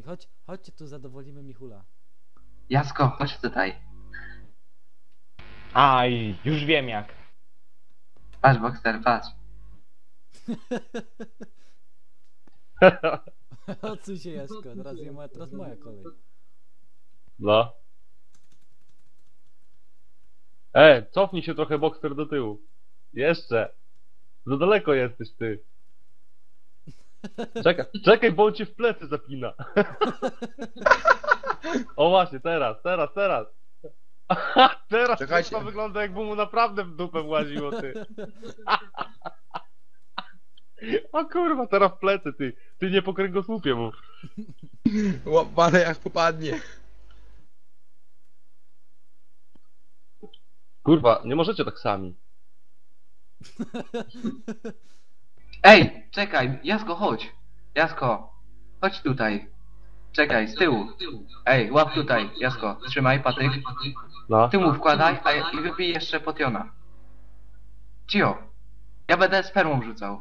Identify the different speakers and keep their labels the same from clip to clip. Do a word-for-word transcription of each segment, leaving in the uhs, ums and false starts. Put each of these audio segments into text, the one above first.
Speaker 1: chodź, chodźcie tu, zadowolimy Michula.
Speaker 2: Jasko, chodź tutaj.
Speaker 3: Aj, już wiem jak.
Speaker 2: Patrz, Boxer, patrz.
Speaker 1: Odsuń się, Jaśko, teraz, je moja, teraz moja kolej.
Speaker 4: No. E, cofnij się trochę, Boxer, do tyłu. Jeszcze. Za daleko jesteś, ty. Czekaj, czekaj, bo on cię w plecy zapina. O właśnie, teraz, teraz, teraz. Teraz
Speaker 5: Czekajcie.
Speaker 4: to wygląda, jakby mu naprawdę w dupę właziło, ty. O kurwa, teraz w plecy, ty. Ty nie po kręgosłupie mu.
Speaker 5: Łapane jak popadnie.
Speaker 4: Kurwa, nie możecie tak sami.
Speaker 2: Ej, czekaj, Jasko, chodź. Jasko, chodź tutaj. Czekaj, z tyłu. Ej, łap tutaj, Jasko, trzymaj patyk.
Speaker 4: No.
Speaker 2: Ty mu wkładaj, a ja, i wypij jeszcze potiona. Cio, ja będę spermą rzucał.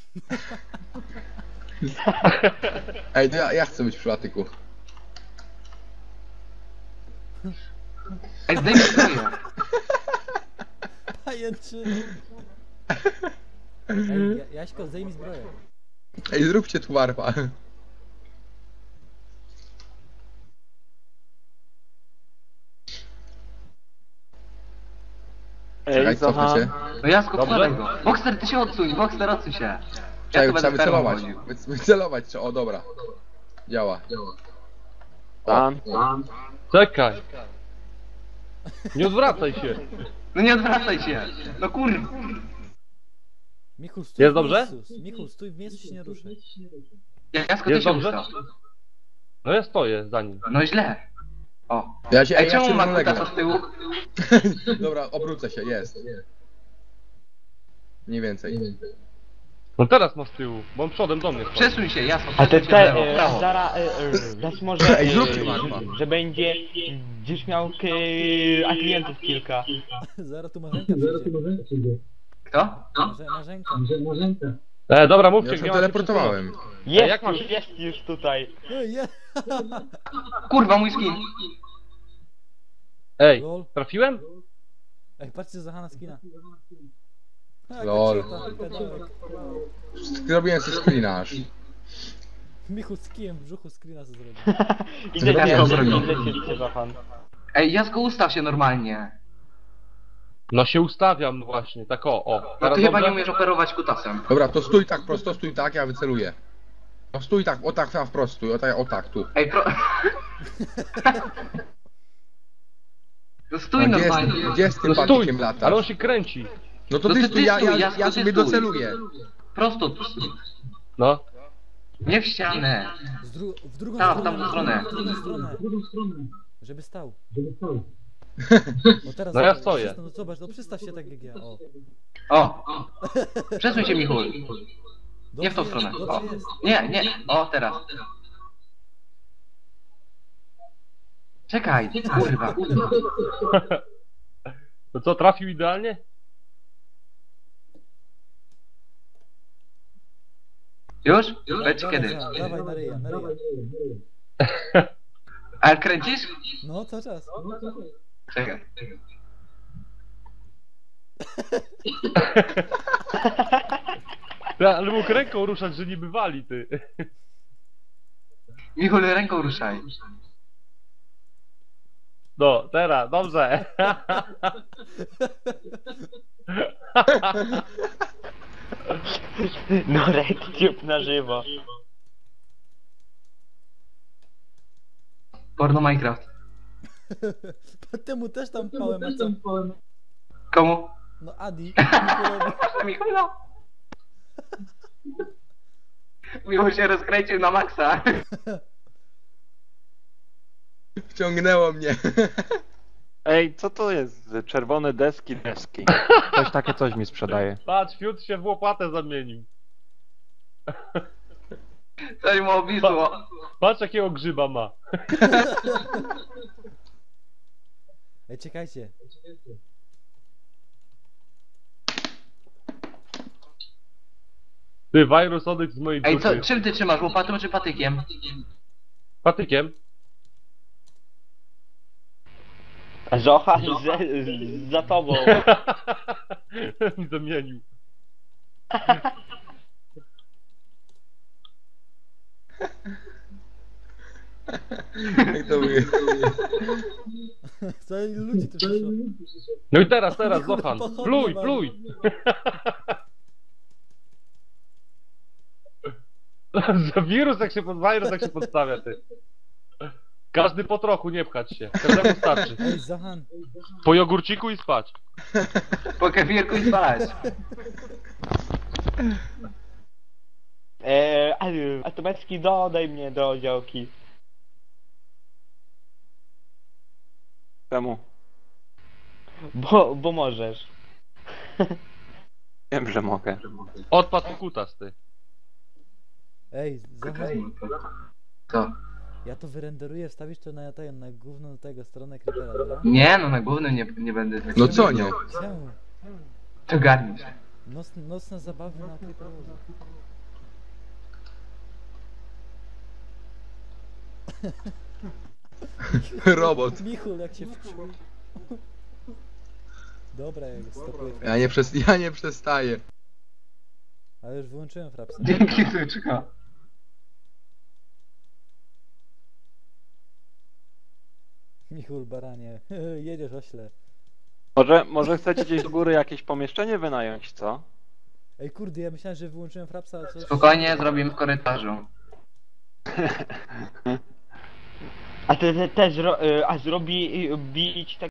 Speaker 5: Ej, to ja, ja chcę być przy patyku.
Speaker 2: Ej, zdejmij zbroję.
Speaker 1: Pajęczyny. Ej, Ja- Jaśko, zdejmij zbroję.
Speaker 5: Ej, zróbcie tu warpa. Czekaj, cofnę się.
Speaker 2: No Jasko,
Speaker 4: Dobrze?
Speaker 2: wkładaj go. Boxer, ty się odsuń, Boxer, odsuń się. Ja
Speaker 5: Czekaj,
Speaker 2: tu
Speaker 5: trzeba
Speaker 2: będę spermą
Speaker 5: wycelować.
Speaker 2: chodził.
Speaker 5: Wy- Wycelować trzeba, o dobra. Działa.
Speaker 3: Tam.
Speaker 4: Czekaj. Nie odwracaj się.
Speaker 2: No nie odwracaj się. No kur...
Speaker 1: Michul, stój
Speaker 4: Jest
Speaker 1: w
Speaker 4: dobrze?
Speaker 1: miejscu. Michul, stój w miejscu, się nie ruszaj.
Speaker 2: Jasko, ty
Speaker 4: Jest
Speaker 2: się
Speaker 4: dobrze?
Speaker 2: ustaw.
Speaker 4: No ja stoję za nim.
Speaker 2: No źle. O.
Speaker 5: Ja się,
Speaker 2: Ej,
Speaker 5: ja
Speaker 2: czemu
Speaker 5: się
Speaker 2: ma
Speaker 5: równolegle.
Speaker 2: kutasa z tyłu?
Speaker 5: Dobra, obrócę się, jest. Mniej więcej.
Speaker 4: No teraz ma z tyłu, bo on przodem do mnie stoi.
Speaker 2: Przesuń się, Jasko,
Speaker 3: A te
Speaker 2: przesuń się w
Speaker 3: te,
Speaker 2: lewo, w
Speaker 3: e,
Speaker 2: prawo.
Speaker 3: zara, e, e, raz może,
Speaker 5: Ej,
Speaker 3: e,
Speaker 5: zróbcie warpa.
Speaker 3: że, że będzie gdzieś miał k, a klientów kilka.
Speaker 1: Zaraz tu Marzenka przyjdzie.
Speaker 2: Kto? No?
Speaker 1: Marze- Marzenka.
Speaker 4: E, dobra, mówcie,
Speaker 5: Ja
Speaker 4: gdzie
Speaker 5: się
Speaker 4: mam się
Speaker 5: teleportowałem.
Speaker 3: Jest
Speaker 4: jak masz-
Speaker 3: już, jest już tutaj.
Speaker 1: Ej, je.
Speaker 2: Kurwa, mój skin.
Speaker 4: przesunąć? Ej,
Speaker 1: Lol.
Speaker 4: trafiłem?
Speaker 1: Ej, patrzcie za Hanna skina. A,
Speaker 5: Lol.
Speaker 1: kaciota, pedałek.
Speaker 5: Zrobiłem sobie screena aż.
Speaker 1: Michul z kijem w brzuchu screena sobie zrobił.
Speaker 3: Idę
Speaker 2: Ja
Speaker 3: cię,
Speaker 2: to
Speaker 3: idę,
Speaker 2: zrobię.
Speaker 3: idę cię, idę pan.
Speaker 2: Ej, Jasko, ustaw się normalnie.
Speaker 4: No się ustawiam właśnie, tak o, o.
Speaker 2: No
Speaker 4: Teraz
Speaker 2: ty chyba
Speaker 4: dobrze?
Speaker 2: nie umiesz operować kutasem.
Speaker 5: Dobra, to stój tak prosto, stój tak, ja wyceluję. No stój tak, o tak, tam wprost stój, o tak, o tak, tu.
Speaker 2: Ej, pro... No stój
Speaker 5: A gdzie, jest,
Speaker 2: normalnie.
Speaker 5: gdzie z tym
Speaker 4: No stój,
Speaker 5: patykiem latasz?
Speaker 4: ale on się kręci.
Speaker 5: No to
Speaker 2: No
Speaker 5: ty
Speaker 2: ty-
Speaker 5: stój,
Speaker 2: ty
Speaker 5: ja,
Speaker 2: stój,
Speaker 5: ja,
Speaker 2: Jasku,
Speaker 5: ja
Speaker 2: ty
Speaker 5: sobie
Speaker 2: stój.
Speaker 5: doceluję.
Speaker 2: Prosto tu stój.
Speaker 4: No.
Speaker 2: Nie w ścianę.
Speaker 1: Z dru w drugą
Speaker 2: Tak, w
Speaker 1: stronę.
Speaker 2: tamtą stronę.
Speaker 1: W drugą stronę. Żeby stał. O teraz
Speaker 4: No ja
Speaker 1: zobacz,
Speaker 4: stoję.
Speaker 1: przysta- No zobacz, no przystaw się tak jak ja. O.
Speaker 2: O. Przesuń się, Michul. Nie w tą
Speaker 1: Dobrze
Speaker 2: stronę.
Speaker 1: jest,
Speaker 2: O.
Speaker 1: dobrze jest.
Speaker 2: Nie, nie. O, teraz. Czekaj, kurwa.
Speaker 4: To co, trafił idealnie?
Speaker 2: Już? Lecz
Speaker 1: Dawaj,
Speaker 2: kiedy?
Speaker 1: za- Dawaj na ryja, na ryja.
Speaker 2: A kręcisz?
Speaker 1: No, cały czas.
Speaker 2: Czekaj.
Speaker 4: Ja, ale mógł ręką ruszać, że niby wali, ty.
Speaker 2: Michul, ręką ruszaj.
Speaker 4: No, teraz, dobrze.
Speaker 3: No RedTube na żywo.
Speaker 2: Porno Minecraft.
Speaker 1: Temu też tam pałem, a co?
Speaker 2: Komu?
Speaker 1: No Adi. Michulowi.
Speaker 2: Michula. Michul się rozkręcił na maksa.
Speaker 5: Wciągnęło mnie.
Speaker 6: Ej, co to jest? Czerwone deski, deski. Ktoś takie coś mi sprzedaje.
Speaker 4: Patrz, Fiut się w łopatę zamienił.
Speaker 2: Coś mu obwisło.
Speaker 4: Patrz jakiego grzyba ma.
Speaker 1: Ej, czekajcie.
Speaker 4: Ty, wirus odejdź z mojej
Speaker 2: Ej,
Speaker 4: dupy.
Speaker 2: co, czym ty trzymasz? Łopatą czy patykiem?
Speaker 4: Patykiem.
Speaker 3: Zocha z, z, za tobą.
Speaker 4: Mi zamienił.
Speaker 5: Jak to mówię?
Speaker 1: Co ilu ludzi tu przyszło?
Speaker 4: No i teraz, teraz, Zochan.
Speaker 1: Pochodnie
Speaker 4: Pluj,
Speaker 1: mam.
Speaker 4: pluj. Za wirus jak się pod wirus jak się podstawia, ty. Każdy po trochu, nie pchać się. Każdemu starczy.
Speaker 1: Ej, Zahan,
Speaker 4: Po jogurciku i spać.
Speaker 2: Po kefirku i spać.
Speaker 3: Eee, a, a Tomecki dodaj mnie do działki.
Speaker 6: Czemu?
Speaker 3: Bo, bo możesz.
Speaker 6: Wiem, że mogę.
Speaker 4: Odpadł kutas, ty.
Speaker 1: ej, Zahan,
Speaker 2: Co?
Speaker 1: ja to wyrenderuję, wstawisz to na, ten, na główną tego stronę Creepera, dobra?
Speaker 2: Nie, no na głównym nie, nie będę tak.
Speaker 5: No co nie?
Speaker 1: Czemu?
Speaker 2: To garnij się.
Speaker 1: Noc, nocne zabawy na Creeperze.
Speaker 5: Robot.
Speaker 1: Michul, jak się wczuł. Dobra, jak stopuję.
Speaker 5: Ja nie, przes ja nie przestaję.
Speaker 1: Ale już wyłączyłem frapsa.
Speaker 2: Dzięki, Syczko.
Speaker 1: Michul, baranie. Jedziesz ośle.
Speaker 6: Może, może chcecie gdzieś do góry jakieś pomieszczenie wynająć, co?
Speaker 1: Ej, kurde, ja myślałem, że wyłączyłem frapsa, a coś...
Speaker 2: Spokojnie, zrobimy w korytarzu.
Speaker 3: A ty, ty też ro, y, a zrobi y, bić tak